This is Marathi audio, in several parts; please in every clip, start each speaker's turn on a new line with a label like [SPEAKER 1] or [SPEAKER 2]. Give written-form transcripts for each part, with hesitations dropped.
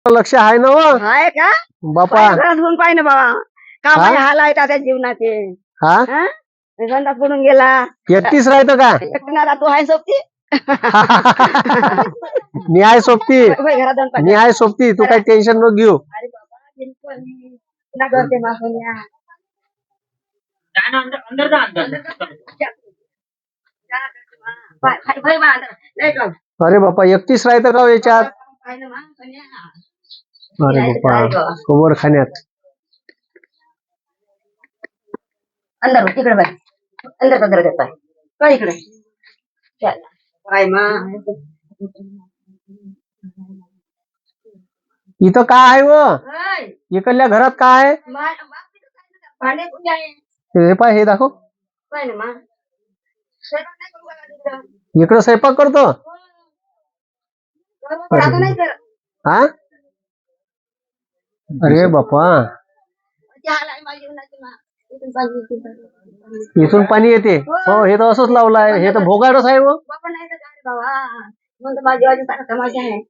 [SPEAKER 1] लक्ष आहे ना व
[SPEAKER 2] हाय का
[SPEAKER 1] बापा?
[SPEAKER 2] घरात होऊन पाहिजे ना बाबा का माझे हाल आहेत आता जीवनाचे.
[SPEAKER 1] हा
[SPEAKER 2] हा? संडास पडून गेला
[SPEAKER 1] एकटीच राहतो का?
[SPEAKER 2] एकटीनं आता तू आहे सोबती
[SPEAKER 1] मी आहे सोबती,
[SPEAKER 2] होय, घरात जाऊन पाहिजे.
[SPEAKER 1] मी आहे सोबती, तू काही टेन्शन नको घेऊ.
[SPEAKER 2] अरे बाबा बिलकुल नाही. तुला करते मा सोन्या.
[SPEAKER 3] अंदर जा अंदर
[SPEAKER 2] भाई बा अंदर. नाही का?
[SPEAKER 1] अरे बापा एकटीच राहतं का हो याच्यात?
[SPEAKER 2] पाहिलं मा सोन्या.
[SPEAKER 1] अरे बापा कोवर खाण्यात.
[SPEAKER 2] अंदर हो, तिकडे बाई अंदर देत पाय काय इकडे चल. काय मा
[SPEAKER 1] इथं काय आहे व?
[SPEAKER 2] हाय
[SPEAKER 1] इकडल्या घरात काय आहे?
[SPEAKER 2] भांडे कुठे आहे
[SPEAKER 1] हे पाय, हे दाखव.
[SPEAKER 2] काय ना मा स्वयंपाक नाही करू का तिथं?
[SPEAKER 1] इकडं स्वयंपाक करतो.
[SPEAKER 2] बरोबर, आता नाही कर
[SPEAKER 1] हा अरे बापा
[SPEAKER 2] हाल आहे माझ्या जीवनाचे मा. इथून पाहिजे
[SPEAKER 1] इथून पाणी येते. हो हे तर असंच लावलं आहे, हे तर भोगाडच आहे व.
[SPEAKER 2] बाबा नाही तर काय रे बाबा म्हणतो माझी आजी सारा तमाशा आहे.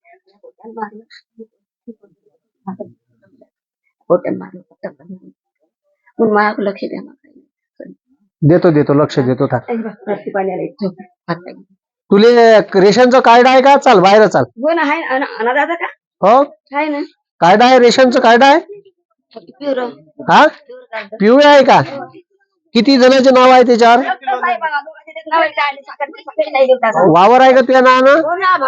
[SPEAKER 2] होटल माझ्या लक्ष द्या
[SPEAKER 1] देतो लक्ष देतो. था
[SPEAKER 2] पाण्याला
[SPEAKER 1] तुले रेशनचं कार्ड आहे का? चाल बाहेर चाल.
[SPEAKER 2] हो ना आहे अनादाचा का
[SPEAKER 1] हो
[SPEAKER 2] आहे ना
[SPEAKER 1] कार्ड आहे, रेशनचं कार्ड आहे.
[SPEAKER 2] प्युअर
[SPEAKER 1] हा पिवळे आहे का? किती जणांचे नाव आहे त्याच्यावर? वावर आहे का तुझ्या नावानं?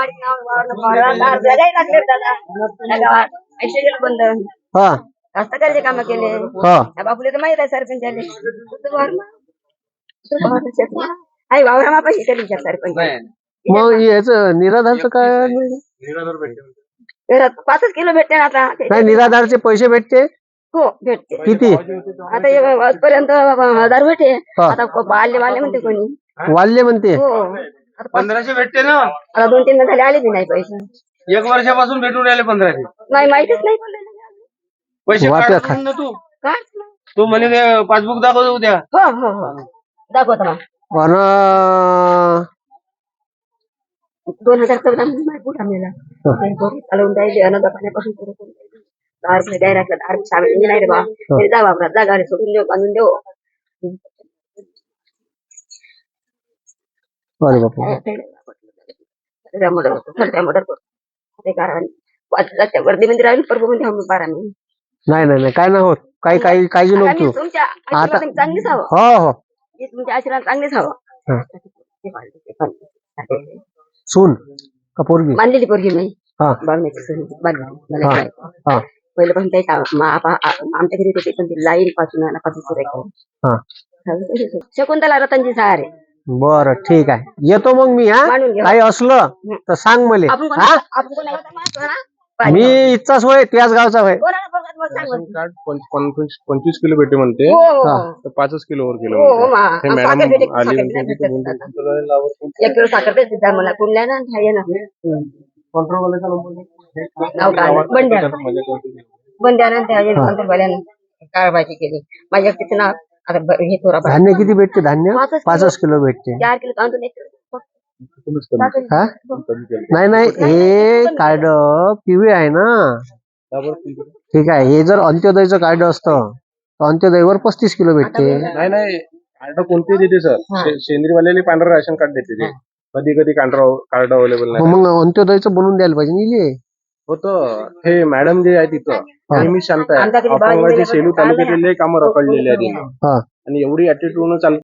[SPEAKER 1] हा
[SPEAKER 2] हस्तकलेचे काम केले
[SPEAKER 1] हा
[SPEAKER 2] बापूले तर माहित आहे सरपंच आई वावरा पैसे केले सरपंच.
[SPEAKER 1] मग याच निराधारचं काय?
[SPEAKER 2] घरात 5 किलो भेटते ना आता.
[SPEAKER 1] नाही निराधारचे पैसे भेटते.
[SPEAKER 2] हो भेटते.
[SPEAKER 1] किती?
[SPEAKER 2] आता आजपर्यंत 1000 भेटे.
[SPEAKER 1] हा.
[SPEAKER 2] आता वाले म्हणते कोणी.
[SPEAKER 1] वाल्य म्हणते.
[SPEAKER 2] हो आता
[SPEAKER 3] 1500 भेटते ना.
[SPEAKER 2] आता 2-3 झाले आले बी नाही पैसे.
[SPEAKER 3] 1 वर्षापासून भेटून राहिले 1500
[SPEAKER 2] नाही माहितीच नाही
[SPEAKER 3] पैसे
[SPEAKER 1] वाटलं
[SPEAKER 3] काढून ना तू.
[SPEAKER 2] काय
[SPEAKER 3] तू म्हणे पासबुक दाखव उद्या.
[SPEAKER 2] हो हो हो दाखवतो मग.
[SPEAKER 1] अन
[SPEAKER 2] 2014 मध्ये कुठं मिळाला चालवून जायचे अनाथ पाण्यापासून सुरू करून दार द्यायला लागलं. दार सावली नाही रे बा तरी जा वापरा जा गाडी सोडून देऊ बांधून देऊ.
[SPEAKER 1] अरे बापा
[SPEAKER 2] कारण 5 लाख वर्दी मध्ये राहील प्रभू मध्ये आम्ही 12 महिने.
[SPEAKER 1] नाही काय नाही होत. काही काळजी नको तू.
[SPEAKER 2] तुमच्या
[SPEAKER 1] आता
[SPEAKER 2] आशीर्वाद चांगलीच हवं.
[SPEAKER 1] हो
[SPEAKER 2] तुमच्या आशीर्वाद चांगलीच हवं.
[SPEAKER 1] सून का पोरगी?
[SPEAKER 2] मानलेली पोरगी नाही
[SPEAKER 1] हा
[SPEAKER 2] मला
[SPEAKER 1] हा हा
[SPEAKER 2] पहिलं पण त्याच्या आमच्या घरी होते पण ती लाईन पासून
[SPEAKER 1] हा
[SPEAKER 2] शकुंतला रतनजी सहारे.
[SPEAKER 1] बरं ठीक आहे येतो मग मी. हा
[SPEAKER 2] मानून घ्या.
[SPEAKER 1] काही असलं तर सांग मला. हा
[SPEAKER 2] आपण कोणाला माहिती ना?
[SPEAKER 1] मी इथचाच होय, त्याच गावचा होय.
[SPEAKER 2] कोणाला बघत मग सांग मग.
[SPEAKER 3] कार्ड 25 किलो भेटे म्हणते.
[SPEAKER 2] हो, हो,
[SPEAKER 1] हा.
[SPEAKER 2] हो.
[SPEAKER 3] तर 5 किलोवर केलं
[SPEAKER 2] हो, हो,
[SPEAKER 3] म्हणते.
[SPEAKER 2] मा.
[SPEAKER 3] हे
[SPEAKER 2] साखर
[SPEAKER 3] मॅडम
[SPEAKER 2] भेटे,
[SPEAKER 3] आली
[SPEAKER 2] साखर
[SPEAKER 3] म्हणते
[SPEAKER 2] भेटे,
[SPEAKER 3] की
[SPEAKER 2] साखर भेटे.
[SPEAKER 3] तुमचं
[SPEAKER 2] 1 किलो साखर देते जा मला कुठल्या ना आहे ना नाव काय? बंड्यानं त्या अंतरवाल्यानं काय माहिती केली माझ्या तिचं नाव आता हे थोडा
[SPEAKER 1] धान्य किती भेटते? धान्य 5 किलो भेटते.
[SPEAKER 2] 4 किलो तांदूळ 1 किलो
[SPEAKER 1] हा नाही हे कार्ड पिवळे आहे ना. ठीक आहे. हे जर अंत्योदयचं कार्ड असतं तर अंत्योदयवर 35 किलो भेटते.
[SPEAKER 3] नाही कार्ड कोणते देते सर? सेंद्रीयवाल्याने पांढरं राशन कार्ड देते ते. कधी कार्ड अवेलेबल नाही
[SPEAKER 1] मग अंत्योदयचं बनवून द्यायला पाहिजे निले.
[SPEAKER 3] होतं. हे मॅडम जे आहे तिथं नेहमी शांत आहे. अपंगाचे सेलू तालुक्यातले कामं रखडलेले आहेत
[SPEAKER 1] हा
[SPEAKER 3] आणि एवढी ऍटिट्यूड चालते.